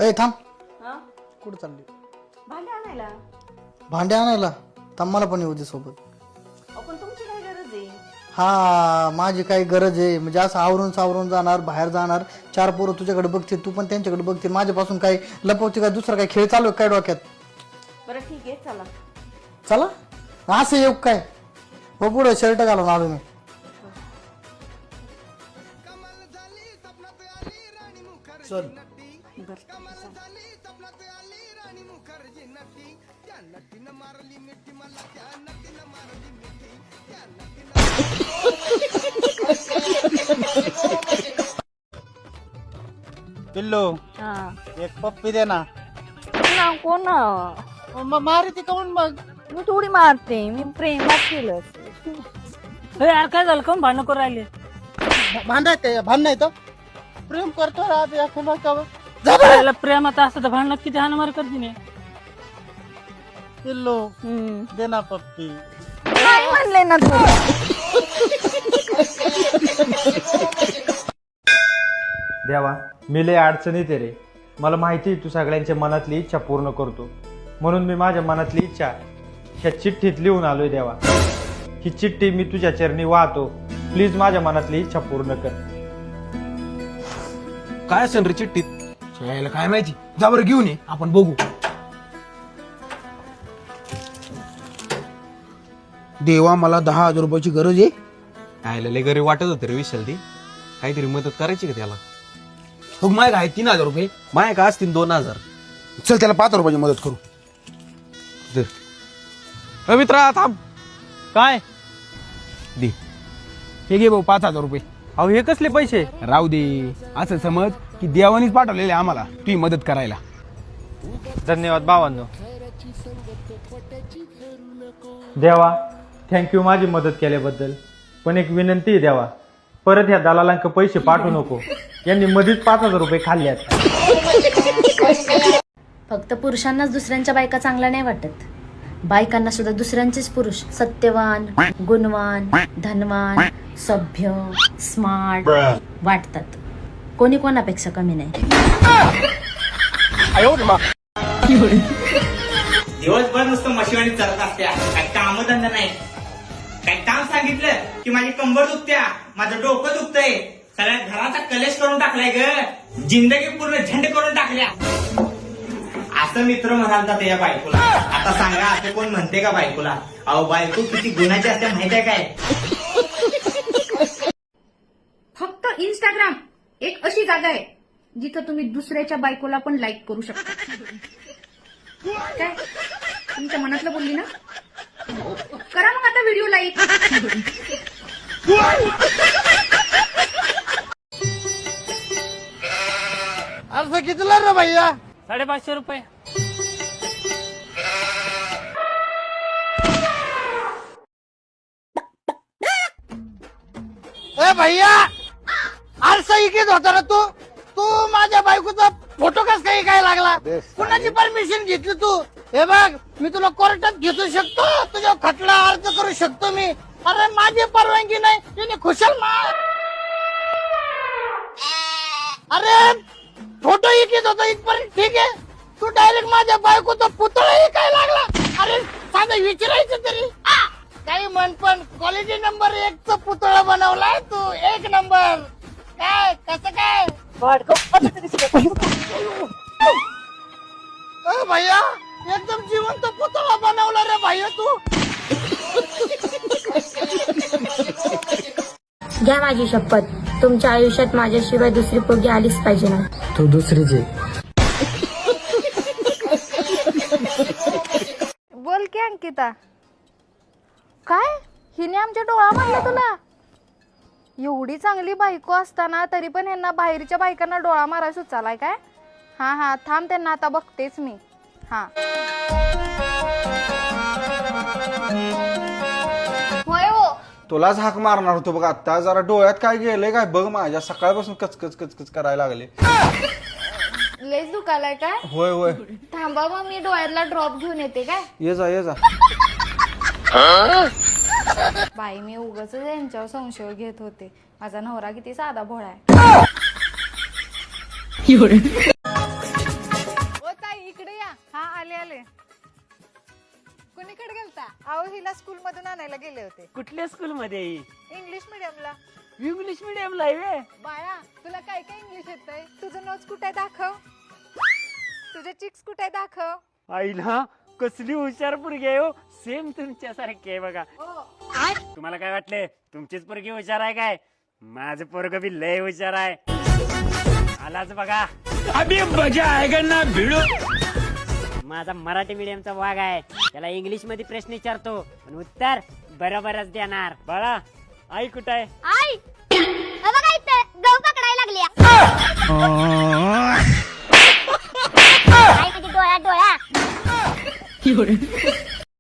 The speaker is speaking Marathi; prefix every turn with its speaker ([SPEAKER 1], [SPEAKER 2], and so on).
[SPEAKER 1] ए थांब,
[SPEAKER 2] हा
[SPEAKER 1] कुठं चालली?
[SPEAKER 2] भांडे आणायला.
[SPEAKER 1] भांडे आणायला? थांब, मला पण येऊ दे सोबत.
[SPEAKER 2] पण तुमची काय गरज आहे?
[SPEAKER 1] हा, माझी काही गरज आहे म्हणजे असं आवरून सावरून जाणार, बाहेर जाणार, चार पोरं तुझ्याकडे बघतील, तू पण त्यांच्याकडे बघतील, माझ्यापासून काही लपवते काय, दुसरा काही खेळ चालू आहे काय डोक्यात?
[SPEAKER 2] बरं ठीक आहे, चला.
[SPEAKER 1] चला असं येऊ काय? हो, पुढं शर्ट घालून आलो मी. चल.
[SPEAKER 3] पिल्लू
[SPEAKER 2] हा
[SPEAKER 3] एक पप्पी दे ना.
[SPEAKER 2] कोण
[SPEAKER 3] मारी ती काऊन मग?
[SPEAKER 2] मी थोडी मारते, मी प्रेमात केलं असेल.
[SPEAKER 4] यार काय झालं कोण भांडण करून राहिले?
[SPEAKER 3] भांडण नाही तर प्रेम करतो
[SPEAKER 4] याला प्रेमात असतं तर भांडणात किती हाणमार करते नाही.
[SPEAKER 3] पिल्लू दे ना पप्पी.
[SPEAKER 2] काय म्हणले ना तू?
[SPEAKER 5] देवा, मी लय अडचणीत आहे रे. मला माहिती आहे तू सगळ्यांच्या मनातली इच्छा पूर्ण करतो, म्हणून मी माझ्या मनातली इच्छा ह्या चिठ्ठीत लिहून आलोय देवा. ही चिठ्ठी मी तुझ्या चरणी वाहतो. प्लीज माझ्या मनातली इच्छा पूर्ण कर.
[SPEAKER 6] काय असेल रे चिठ्ठीत? यायला काय माहिती, जा बरं घेऊन ये, आपण बघू. देवा, मला 10,000 रुपयाची गरज आहे.
[SPEAKER 7] आयला लय गरीब वाटत होत रे विशाल. ती काहीतरी मदत करायची का त्याला?
[SPEAKER 6] हो, माय काय 3,000 रुपये
[SPEAKER 7] माय का असतील 2,000.
[SPEAKER 6] चल त्याला 5 रुपयाची मदत करू.
[SPEAKER 7] मित्रा थांब.
[SPEAKER 5] काय?
[SPEAKER 6] दे, हे घे भाऊ 5,000 रुपये.
[SPEAKER 5] अहो, हे कसले पैसे?
[SPEAKER 6] राहू दे, असं समज की देवानीच पाठवलेले आम्हाला तुझी मदत करायला.
[SPEAKER 5] धन्यवाद भावांनो. देवा, थँक्यू माझी मदत केल्याबद्दल. पण एक विनंती आहे देवा, परत ह्या दलालांक पैसे पाठवू नको. यांनी मध्येच 5,000 रुपये खाल्ल्यात.
[SPEAKER 8] फक्त पुरुषांनाच दुसऱ्यांच्या बायका चांगल्या नाही वाटत, बायकांना सुद्धा दुसऱ्यांचेच पुरुष सत्यवान, गुणवान, धनवान, सभ्य, स्मार्ट वाटतात. कोणी कोणापेक्षा कमी नाही.
[SPEAKER 9] दिवसभर नुसतं मशिवानी चालत असत्या, काय कामधंदा नाही. काय काम सांगितलं की माझी कंबर दुखत्या, माझं डोकं दुखतंय, सगळ्या घराचा कलेश करून टाकलाय ग, जिंदगी पूर्ण झंड करून टाकल्या. असं मित्र म्हणालता त्या बायकोला. आता सांगा, असं कोण म्हणते का बायकोला? अहो, बायको किती गुणाची असते माहित आहे काय?
[SPEAKER 10] फक्त इंस्टाग्राम एक अशी जागा आहे जिथं तुम्ही दुसऱ्याच्या बायकोला पण लाईक करू शकता. काय तुमच्या मनातलं बोलली ना? करा मग आता व्हिडिओ लाईक.
[SPEAKER 3] अर्ज कितीला रे भैया?
[SPEAKER 4] 550 रुपये.
[SPEAKER 3] ए भैया, आरसा इकीत होता ना तू? तू माझ्या बायकोचा फोटो कस काही काय लागला? कुणाची परमिशन घेतली तू? हे बघ, मी तुला कोर्टात घेऊ शकतो, तुझ्या खटला अर्ज करू शकतो मी. अरे माझी परवानगी नाही, तिने खुशाल मार. अरे फोटो इकीत होता इथपर्यंत ठीक आहे, तू डायरेक्ट माझ्या बायकोचा पुतळाही काय लागला? अरे साधं विचारायचं तरी. काही म्हण, पण क्वालिटी नंबर 1 चा पुतळा बनवलाय तू. 1 नंबर. काय कसं काय? भैया, एकदम जिवंत पुतळा बनवला रे भैया तू.
[SPEAKER 8] घ्या माझी शपथ, तुमच्या आयुष्यात माझ्याशिवाय दुसरी पोरगी आलीच पाहिजे ना.
[SPEAKER 1] तू दुसरीच आहे.
[SPEAKER 2] बोल की अंकिता. काय हिने आमच्या डोळा मारला तुला? एवढी चांगली बायको असताना तरी पण ह्यांना बाहेरच्या बायकांना डोळा मारायला सुचालाय काय? हा हा, थांब, त्यांना आता बघतेच मी. हा,
[SPEAKER 10] होय हो,
[SPEAKER 11] तुलाच हाक मारणार होतो बघ. आता जरा डोळ्यात काय गेलंय काय बघ, माझ्या सकाळपासून कचकच कचकच करायला लागले.
[SPEAKER 2] लयच दुखालाय काय?
[SPEAKER 11] होय होय,
[SPEAKER 2] थांबा मग मी डोळ्यातला ड्रॉप घेऊन येते काय?
[SPEAKER 11] ये जा ये जा.
[SPEAKER 2] बाई, मी उगाच यांच्यावर संशय घेत होते. माझा नवरा किती साधा भोळा आहे. आता अहो हिला स्कूल मधून आणायला गेले होते.
[SPEAKER 4] कुठल्या स्कूल मध्ये?
[SPEAKER 2] इंग्लिश मीडियमला.
[SPEAKER 4] इंग्लिश मिडियमला आहे.
[SPEAKER 2] बाळा तुला काय काय इंग्लिश येतंय? तुझं नोट्स कुठे दाखव, तुझे चिक्स कुठे दाखव.
[SPEAKER 4] आईला कसली हुशार पोरगी आहे हो, सेम तुमच्यासारखी आहे बघा. तुम्हाला काय वाटले तुमचीच पोरगी हुशार आहे काय? माझं पोरग बी लय हुशार आहे. आलाच बघा. अभी मजा आएगा ना भिडो. माझा मराठी मीडियमचा वाघ आहे, त्याला इंग्लिश मध्ये प्रश्न विचारतो पण उत्तर बरोबरच देणार. बाळा आई कुठं आहे?
[SPEAKER 2] आई बघा इथे गहू पकडायला लागली.
[SPEAKER 8] डोळा